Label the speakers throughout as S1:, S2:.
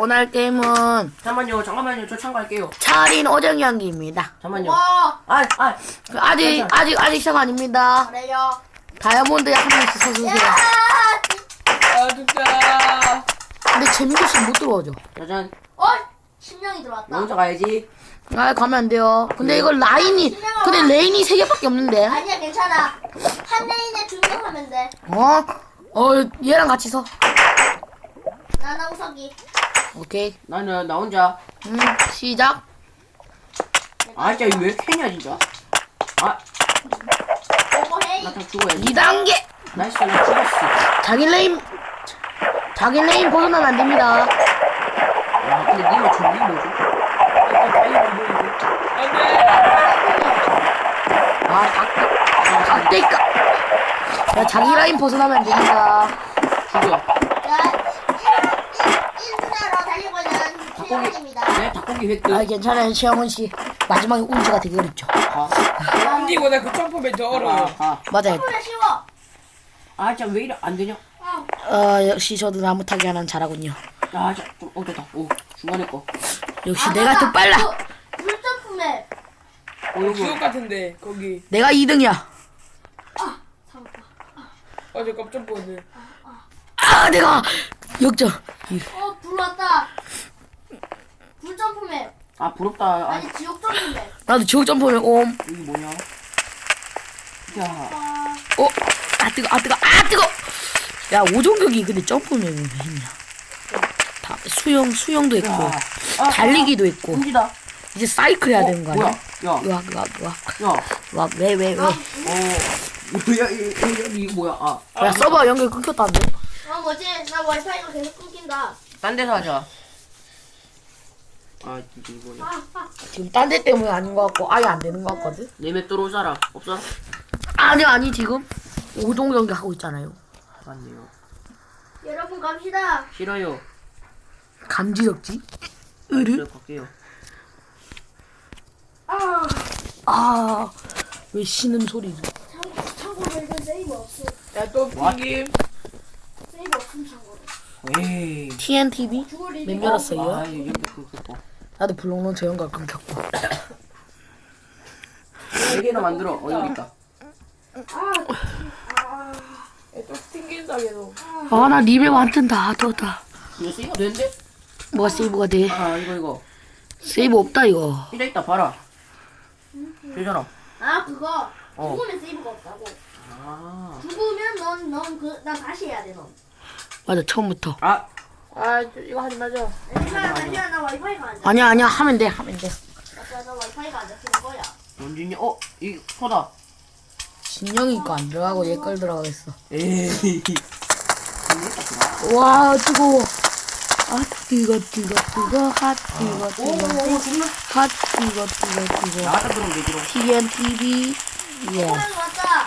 S1: 오늘 할 게임은
S2: 잠깐만요. 저 참가할게요.
S1: 차린 오정 경기입니다.
S2: 잠깐만요.
S3: 와,
S1: 아직 시작 아닙니다.
S3: 그래요.
S1: 다이아몬드에 한 명씩 서주세요.
S3: 야,
S4: 진짜.
S1: 근데 재민규 씨못 들어오죠?
S2: 짜잔.
S3: 신명이
S2: 나
S3: 들어왔다.
S2: 혼자 가야지.
S1: 가면 안 돼요. 근데 이거 라인이, 근데 레인이 3개밖에 없는데.
S3: 아니야, 괜찮아. 한 레인에 2명 하면 돼.
S1: 얘랑 같이 서.
S3: 나나 우석이.
S1: 오케이.
S2: 나 혼자.
S1: 시작.
S2: 아, 진짜 이거 왜 캐냐, 진짜. 아,
S3: 오고 헤이.
S2: 나 다 죽어야지.
S1: 2단계.
S2: 나이스, 나 죽었어.
S1: 자기 레인 벗어나면 안 됩니다.
S2: 야, 근데 니가 전리 뭐죠?
S4: 약간 달리 보이고. 안 돼.
S1: 닭대까. 야, 자기 라인 벗어나면 안 됩니다.
S2: 죽어.
S3: 야, 1분으로 달리고 있는 최영입니다.
S2: 네, 닭고기 획득.
S1: 괜찮아요, 최영훈 씨. 마지막에 운지가 되게 어렵죠.
S4: 이거보다 그 점프맨 더 어려워요.
S1: 맞아요.
S3: 그래, 쉬워.
S2: 아, 진짜 왜 이래 안 되냐?
S1: 역시 저도 나무 타기 하나는 잘하군요.
S2: 아, 진짜 좀 됐다. 오, 중간에 거.
S1: 역시 내가 더 빨라.
S3: 물점프맵.
S2: 이거.
S4: 지옥 같은데 거기.
S1: 내가 2등이야.
S4: 어제 깜짝 보네.
S1: 내가 역전.
S3: 불 왔다. 불점프맵.
S2: 아, 부럽다. 아,
S3: 아니, 지옥 점프맵.
S1: 나도 지옥 점프면
S2: 여기 뭐냐? 야,
S1: 뜨거. 야, 오종격이 근데 점프는 왜 있냐? 다 수영도 있고 달리기도 있고
S2: 움직이다.
S1: 이제 사이클 해야 되는 거 아니야?
S2: 뭐야? 야, 야.
S1: 왜?
S2: 여기 뭐야?
S1: 야, 서버 연결 끊겼다는데?
S3: 뭐지? 나 와이파이가 계속 끊긴다.
S2: 딴 데서 하자. 아, 이게 뭐냐?
S1: 지금 딴 데 때문에 아닌 것 같고 아예 안 되는 것 같거든?
S2: 내매 들어올 사람 없어?
S1: 아니 지금 오종 경기 하고 있잖아요.
S2: 맞네요.
S3: 여러분 갑시다.
S2: 싫어요.
S1: 감지덕지?
S2: 그래, 갈게요.
S1: 왜 신음 소리지?
S3: 참고로 이건 세이브 없어.
S4: 야또 핑김.
S3: 세이브 없음 참고로.
S2: 에이.
S1: TNTV?
S3: 죽을
S1: 몇
S3: 일이
S1: 열었어요?
S2: 아, 여기 그거.
S1: 나도 블록론저 연결 끊겼고.
S2: 4개나 만들어. 여기 있다.
S4: 야또 핑김다 계속.
S1: 나 리벨 완전 다 떴다.
S2: 이거 세이브 되는데?
S1: 뭐가 세이브가 돼?
S2: 아, 이거.
S1: 세이브 없다 이거.
S2: 이래 있다, 봐라. 되잖아.
S3: 그거.
S2: 어.
S3: 죽으면 세이브가 없다고.
S2: 아.
S3: 죽으면 난 다시 해야 돼, 넌.
S1: 맞아, 처음부터.
S2: 아,
S4: 이거 하지 마자.
S3: 잠시만, 나 와이파이가 안 잡혀.
S1: 아니야 하면 돼.
S3: 나 와이파이가 안 잡히는 거야.
S2: 원진이, 이 소다.
S1: 진영이 거 안 들어가고 얘 걸 들어가겠어.
S2: 에이.
S1: 와, 뜨거워. 뜨거.
S2: 나갔다 들어오면 되지롱.
S1: TNTV. 예.
S3: 호랑이 왔다.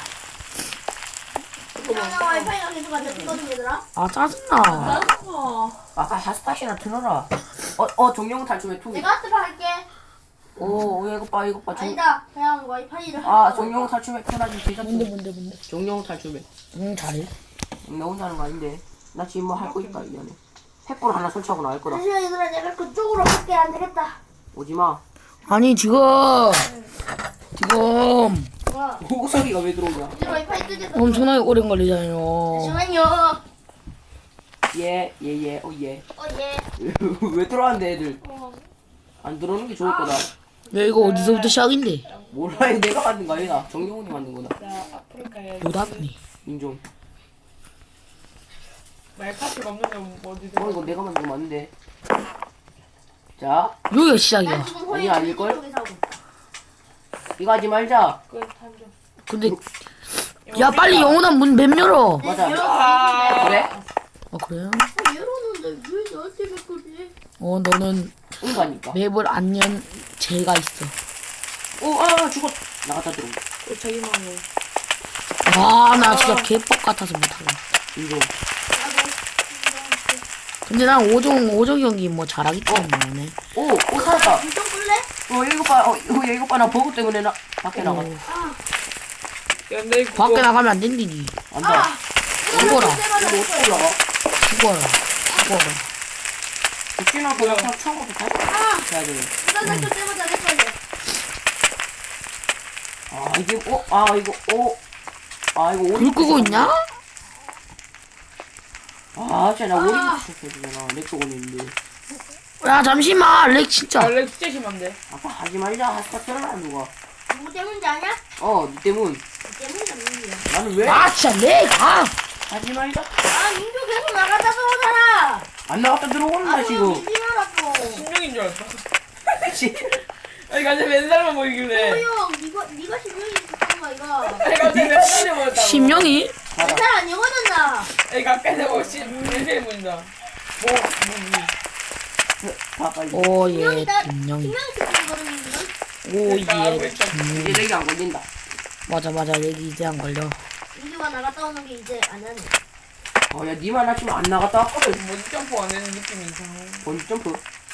S3: 나 와이파이가 계속 안 잡히거든, 얘들아.
S1: 짜증나.
S2: 아까 하스팟이나 틀어라. 정령 탈춤에 투기.
S3: 내가 하트를 할게.
S2: 이거 봐.
S3: 아니다, 그냥 와이파이를
S2: 정령 탈춤에 틀어야지. 제자
S1: 뭔데.
S2: 정령 탈춤에.
S1: 잘해.
S2: 나 혼자 하는 거 아닌데. 나 지금 뭐 할 거 있다, 이 안에. 횃불 하나 설치하고 나갈 거다.
S3: 잠시만, 얘들아, 내가 그쪽으로 갈게. 안 되겠다.
S2: 오지 마.
S1: 아니, 지금.
S3: 와,
S2: 호석이가 왜 들어오냐?
S3: 이제 와이파이 끄겠어.
S1: 엄청나게 오래 걸리잖아요.
S3: 잠시만요.
S2: 예.
S3: 예.
S2: 왜 들어왔는데, 애들? 안 들어오는 게 좋을 거다.
S1: 야, 이거 어디서부터 시작인데?
S2: 몰라, 이거 내가 만든 거 아니다. 정영훈이 만든 거다.
S4: 나 아프리카 해야지.
S1: 노답니.
S2: 인종.
S4: 말카트가 없는데 뭐 어디든.
S2: 이거 내가 만든 거 맞는데. 자,
S1: 여기가
S3: 난
S1: 시작이야.
S3: 지금
S2: 아니,
S3: 호랑이
S2: 아닐걸?
S3: 쪽에 사고 있다.
S2: 이거 하지 말자.
S4: 끝 한점.
S1: 근데, 야, 빨리 영원한 문 맵 열어.
S2: 맞아.
S4: 아.
S2: 그래?
S1: 그래요?
S3: 열어놓는데 왜 너한테 몇 거지?
S1: 너는
S2: 인간이니까.
S1: 맵을 안 연 죄가 있어.
S2: 죽었. 나갔다 들어오.
S4: 또 자기 마음에.
S1: 나 진짜 개뻑 같아서 못하고.
S2: 인종.
S1: 근데 난 오종 경기 뭐 잘하기 때문에.
S2: 살았다.
S3: 물좀 끌래?
S2: 이거 봐. 나 버그 때문에 밖에 나가.
S4: 연대 그거.
S1: 밖에 나가면 안 된디니.
S2: 안 돼.
S1: 죽어라.
S2: 이거 어떻게 올라가?
S1: 죽어라.
S2: 죽지나 그냥 처음부터 다시 해야 돼.
S3: 이거 날 때마다 내 거야.
S2: 아 이게 이거
S1: 불 끄고 있냐?
S2: 아 진짜 나 오리부터 시작해야 되잖아. 렉도 걸리는데.
S1: 야 잠시만 렉 진짜.
S4: 원래 진짜 심한데.
S2: 아빠 하지 말자. 하지 말라 누가.
S3: 누구 때문인지 아냐?
S2: 니 때문.
S3: 너 때문이다 민규야.
S2: 나는 왜?
S1: 아 진짜 렉. 아.
S2: 하지 말자.
S3: 아 민규 계속 나갔다 들어오잖아.
S2: 안 나갔다 들어온다 지금.
S3: 민규라고.
S4: 신명인 줄 알았어. 아니 갑자기 맨살만 보이길래.
S3: 호영 네가 신명이 있었던 이거.
S4: 아니 갑자기 맨살이 보였다고.
S1: 심령이?
S3: 내 살 아니거든 나.
S4: 아니 가까이서 보고 맨살이 보인다.
S2: 다 빨리.
S1: 오예 심령이.
S3: 신명이 있었거든 이거.
S1: 오예
S2: 이제
S1: 심령이.
S2: 렉이 안 걸린다.
S1: 맞아 렉이 이제 안 걸려.
S3: 민규가 나갔다 오는 게 이제 안 하네.
S2: 야 니만 나 지금 안 나갔다 왔거든.
S4: 뭐지 점프 안 하는 느낌이 이상해.
S2: 번지 점프.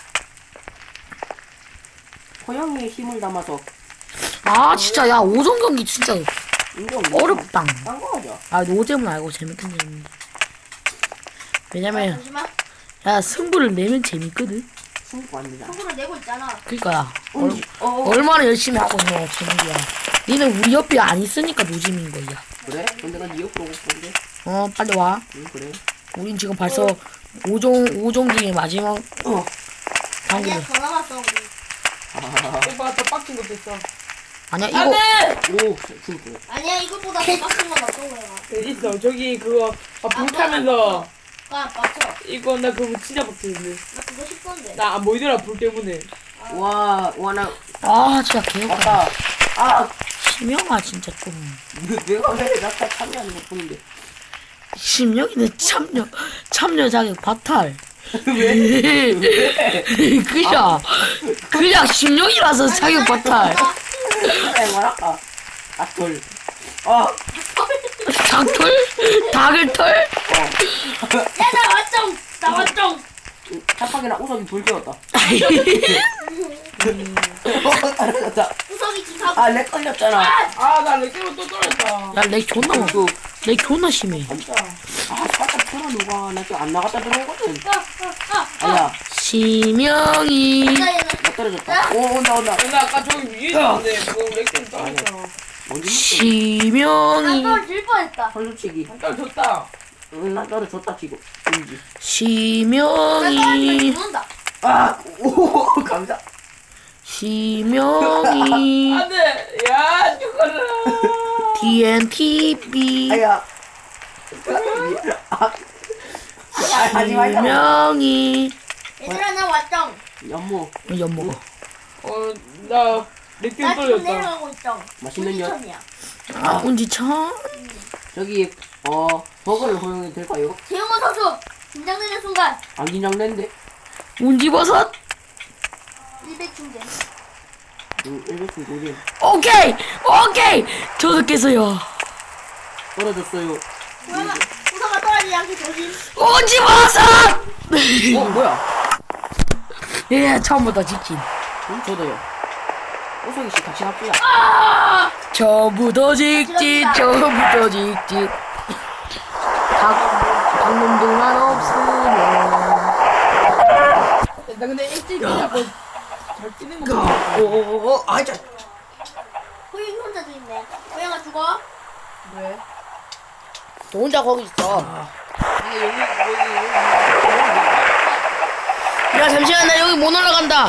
S2: 호영이의 힘을 담아서
S1: 아 진짜 야 오전 경기 진짜
S2: 인정.
S1: 어렵다.
S2: 딴거 하자.
S1: 아 노잼은 알고 재밌긴 재밌는데. 왜냐면
S3: 잠시만.
S1: 야 승부를 내면 재밌거든.
S2: 승부 안 되잖아.
S3: 속으로 내고 있잖아.
S1: 그니까
S2: 어.
S1: 얼마나 열심히 하고 있는 재능이야. 니는 우리 옆에 안 있으니까 노잼인 거야.
S2: 그래? 근데 난 니 옆으로 오고 싶은데.
S1: 빨리 와.
S2: 응 그래.
S1: 우린 지금 벌써 5종 중에 마지막
S3: 아니야
S1: 단계를.
S3: 더 남았어 우리.
S4: 오빠가 더 빡친 것도 있어.
S1: 아니야 이거
S4: 안돼.
S2: 오 승부.
S3: 아니야 이것보다 더 빡친 건 없어 거야.
S4: 있어 저기 그거 불 타면서
S3: 아 맞죠?
S4: 이거 나 그거 진짜 빡치는데.
S3: 나 그거 싶던데.
S4: 나 안 보이더라 불 때문에.
S2: 와나
S1: 아 진짜 개웃겨.
S2: 아까
S1: 심영아 진짜 좀.
S2: 내가 왜 나타 참여하는 것 뿐인데.
S1: 심영이는 참여 자격 바탈.
S2: 왜?
S1: 그냥 심영이라서 자격 바탈.
S2: 말할까? 악돌.
S1: 닭털? 닭을털?
S3: 야나 왔정. 나 왔정.
S2: 짝박이랑 우석이 불 지웠다. 떨어졌다.
S3: 우석이 지사고.
S2: 렉 걸렸잖아.
S4: 아나 렉기로 또 떨어졌다.
S1: 야렉 존나 많아. 렉 존나 심해.
S4: 진짜.
S2: 바깥 틀어 누가. 나 지금 안 나갔다 들어오거든. 아야,
S1: 심영이.
S2: 나 떨어졌다. 오 온다.
S4: 나 아까 저기 위에 있었는데 그거 렉기로 떨어졌어.
S2: 뭔지
S1: 심영이.
S3: 나 떨어질 뻔했다.
S2: 솔직히.
S4: 떨어졌다.
S2: 응, 나 떨어졌다 지금. 뭔지.
S3: 나
S1: 심영이.
S3: 떨어지면
S2: 오 감사.
S1: 심영이.
S4: 안돼. 야 죽어라.
S1: DNTV.
S2: 아야. 하지 말자.
S1: 심영이.
S3: 얘들아 나 왔정.
S2: 연모
S1: 엿먹어.
S4: 나 렉기로
S3: 나 지금
S4: 떨어졌다.
S3: 내려가고 있정.
S2: 맛있는 연.
S3: 천이야.
S1: 아 운지천.
S2: 저기 버거를 허용해도 될까요?
S3: 재영호 선수 긴장되는 순간
S2: 안 긴장되는데.
S1: 운지버섯.
S3: 100 충전.
S2: 응, 100분 고지.
S1: 오케이. 저도 깼어요.
S2: 떨어졌어요.
S3: 우석아 떨어지지 않게 조심.
S1: 운지버섯.
S2: 뭐야?
S1: 예 처음부터 지킨.
S2: 응, 저도요. 우석이 씨 같이 합시다.
S1: 처음부터 직진. 방놈들만 없으면.
S4: 나 근데 일찍 자꾸 잘 뛰는 거 같아.
S2: 아이자.
S3: 호영이 혼자 있네. 호영아 죽어.
S4: 왜?
S1: 너 혼자 거기 있어.
S4: 아니 여기
S1: 야 잠시만 나 여기 못 올라간다.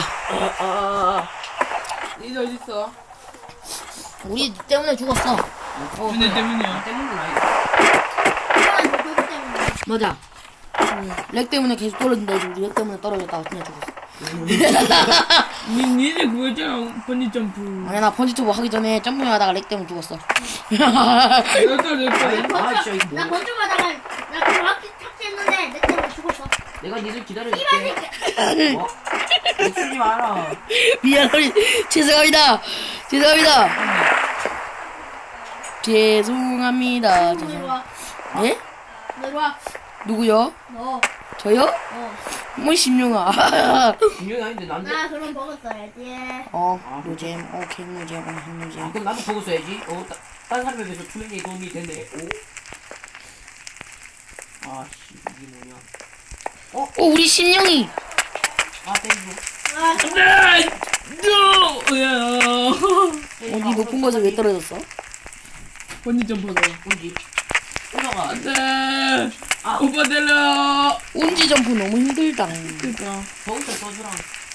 S4: 니 어디 있어?
S1: 우리 때문에 죽었어.
S4: 준혜 때문이야.
S2: 때문은 아니고.
S3: 호영아 너 그거 때문에.
S1: 맞아. 렉 때문에 계속 떨어진다. 우리 렉 때문에 떨어졌다가 그냥 죽었어.
S4: 니네 그거 있잖아 번지 점프.
S1: 아니 나 번지 점프 하기 전에 점프하다가 렉 때문에 죽었어.
S4: 내가 떨어졌다.
S2: 아 진짜 이거
S3: 나
S2: 뭐?
S3: 건조하다가 나 정확히 탑재했는데 내 때문에 죽었어.
S2: 내가 니들 기다려줄게. 쓰지 마라.
S1: 미안합니다. 죄송합니다. 죄송합니다.
S3: 너 이리 와.
S1: 예?
S3: 너 이리 와.
S1: 누구요?
S3: 너.
S1: 저요? 뭐 심령아.
S2: 분명히 아닌데 난데.
S3: 나 그럼 먹었어야지.
S1: 노잼. 오케이 노잼. 노잼.
S2: 그럼 나도 보고 써야지. 딴 사람에 비해서 투명이 도움이 되네. 오. 아씨 이게 뭐냐?
S1: 우리 심령이.
S2: 아 때리고.
S3: 아,
S4: 안돼. 야.
S1: 어디 높은 곳에 왜 떨어졌어?
S4: 번지 점프다.
S2: 뭔지. 올라가.
S4: 안돼.
S2: 아.
S4: 오빠 내려.
S1: 운지 점프 너무 힘들다.
S4: 그니까.
S2: 거기서 써주라.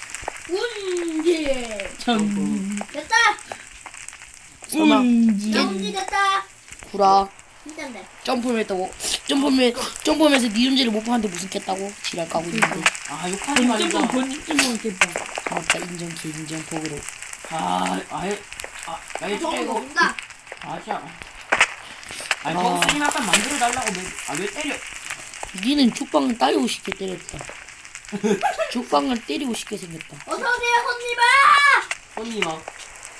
S3: 운지.
S4: 전.
S3: 됐다.
S1: 설마.
S4: 운지.
S3: 운지 됐다.
S1: 구라.
S3: 진짠데.
S1: 점프했다고. 점프하면서 니 운지를 못 봤는데 무슨 깼다고? 지랄 까고 있는데.
S2: 아 욕하지 말자.
S4: 번지 점프 했겠다.
S1: 맞다 인정 개 인정 복으로.
S2: 아예
S3: 저거
S2: 진짜 이거.
S3: 먹는다.
S2: 아자. 아니 버스님 약간 만들어 달라고 왜 때려?
S1: 니는 죽방을 따리고 싶게 때렸다. 죽방을 때리고 싶게 생겼다.
S3: 어서오세요, 손님아!
S2: 손님아.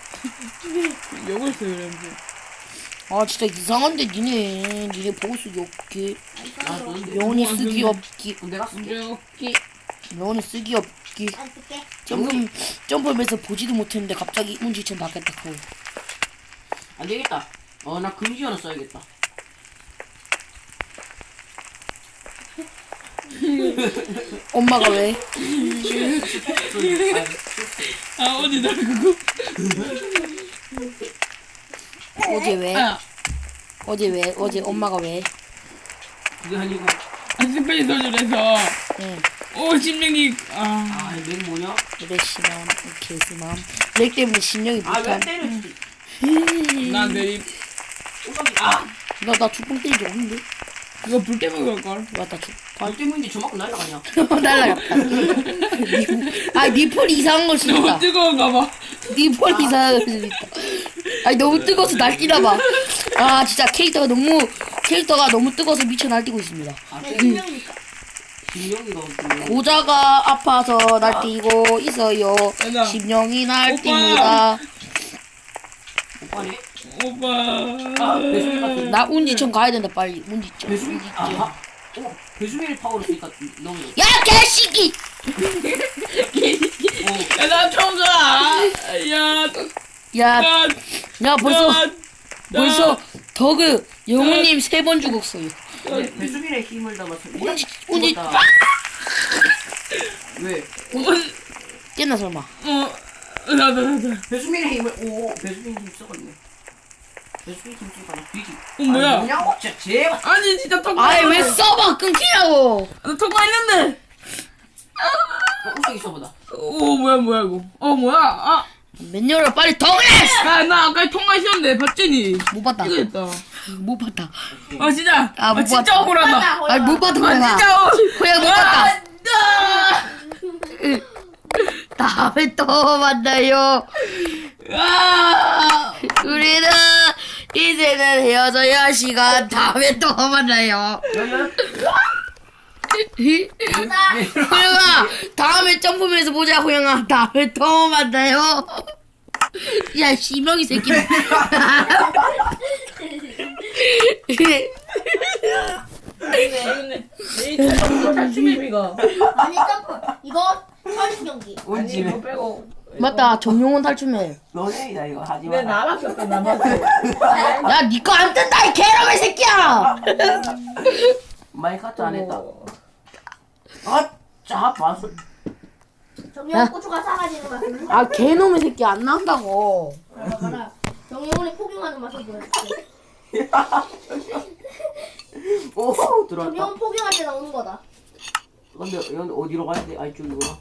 S4: 욕을 써요 이러면서.
S1: 아 진짜 이상한데 니네 보고 쓰기 없기.
S2: 아 너는
S1: 명언이 쓰기 없기.
S2: 내가 쓸게.
S4: 이렇게.
S1: 명언이 쓰기 없기.
S3: 안 쓸게.
S1: 점프하면서 보지도 못했는데 갑자기 운지천 닿겠다 하고.
S2: 안 되겠다. 나 금지 하나 써야겠다.
S1: 엄마가 왜?
S4: 아 어디다 그거.
S1: 어제 왜?
S4: 아.
S1: 어제 엄마가 왜?
S2: 그게 아니고.
S4: 스페인 소주에서.
S1: 응.
S4: 오 심령이.
S2: 렉 뭐냐?
S1: 레시맘 개스맘 렉 때문에 신경이
S2: 왜
S1: 못한.
S2: 때렸지?
S4: 난 내리.
S1: 나 죽방 때린 적 없는데?
S4: 이거 불 때문에 그럴걸.
S1: 맞다
S2: 발 때문인지 저만큼 날라가냐?
S1: 날라갔다. 니폰 이상한 걸 수도
S4: 너무
S1: 있다.
S4: 뜨거운가 봐.
S1: 니폰 이상한 걸 수도 있다. 아니 너무 뜨거워서 날뛰나 봐. 아 진짜 캐릭터가 너무 뜨거워서 미쳐 날뛰고 있습니다.
S3: 내 분명이니까.
S2: 김영이가 어떻게?
S1: 고자가 아파서 날뛰고 있어요.
S4: 맞아.
S1: 심령이 날뜁니다.
S2: 오빠네?
S4: 오빠.
S2: 배수민 같은.
S1: 나 운지천 가야 된다 빨리. 운지천.
S2: 배수민. 배수민의 파워를 쓰니까 너무.
S1: 야 개새끼!
S4: 야, 나 처음 가. 야.
S1: 야,
S4: 야.
S1: 야 벌써 더그 영우님 3번 죽었어요.
S2: 배수민의 힘을 담아서.
S1: 운지
S2: 죽었다. 왜?
S1: 깼나 설마?
S4: 나다.
S2: 배수민의 힘을 배수민 힘 써봤네. 배수민 힘 써봐. 뒤지.
S4: 뭐야?
S2: 뭐냐고? 진짜 제발.
S4: 아니 진짜 턱.
S1: 아이 왜 써봐 끊기냐고.
S4: 나턱 많이는데.
S2: 우석이 써보다.
S4: 오 뭐야 이거. 뭐야.
S1: 맨녀를 빨리 더 그래!
S4: 나 아까 통화했었는데 봤더니.
S1: 못 봤다.
S4: 이거 했다.
S1: 못 봤다.
S4: 진짜.
S1: 못
S4: 진짜
S1: 봤다.
S4: 억울하다.
S1: 아니 못 봤다 호영아.
S4: 진짜.
S1: 호영 못 봤다. 다음에 또 만나요. 우리는 이제는 헤어져야 할 시간. 다음에 또 만나요. 호영아 다음에 점프면서 보자. 호영아 다음에 또 만나요. 야 시명이 새끼.
S4: 탈춤이가.
S3: 아니, 점프. 이거 서린 경기.
S2: 뭔지 왜?
S4: 빼고.
S1: 맞다 정용훈 탈춤해.
S2: 너네이다 이거 하지
S4: 내
S2: 마.
S4: 나밖에 나밖에.
S1: 야 니꺼 안 뜬다 이 개놈의 새끼야.
S2: 마이크도 안 했다. 자 봤어.
S3: 정리형 고추가 사라지는 맛을.
S1: 아 개놈의 새끼 안 나온다고.
S3: 봐라. 정리형이 포경하는 맛을 보여줄게.
S2: 오 들어왔다.
S3: 정리형 포경할 때 나오는 거다.
S2: 근데 여기 어디로 가야 돼? 이쪽이구나.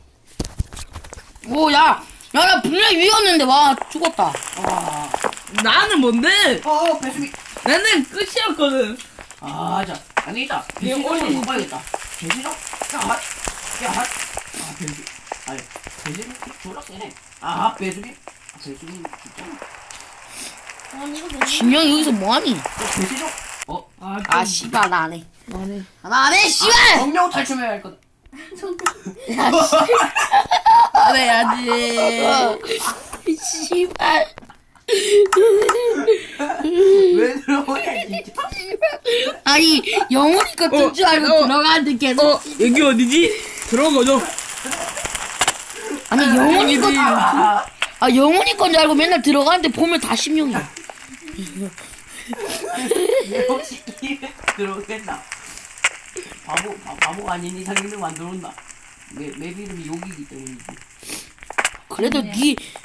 S1: 오야 나 분명히 위였는데 와 죽었다.
S4: 나는 뭔데?
S2: 배수민.
S4: 나는 끝이었거든.
S2: 자 아니다. 배수민
S4: 오늘
S2: 못 봐야겠다. 배수민. 배수민. 아니 배수민 졸라 세네. 배수민. 배수민 진짜.
S3: 아니, 이거
S1: 진영 여기서 뭐하니?
S2: 배수민.
S1: 아 씨발 나 안해.
S4: 안해.
S1: 나 안해 씨발.
S2: 정령 탈춤해야 할 거다.
S1: 안 해야지. 씨발.
S2: 왜 들어오냐 진짜.
S1: 아니 영훈이 거뜬 줄 알고 들어가는데 계속.
S4: 여기 어디지? 들어가죠.
S1: 아니 영훈이 거. 영훈이 건 줄 알고 맨날 들어가는데 보면 다 심령이야.
S2: 혹시 입에 들어오겠나? 바보가 아닌 이상 있는 안 들어온다. 맵 이름이 욕이기 때문이지.
S1: 그래도 네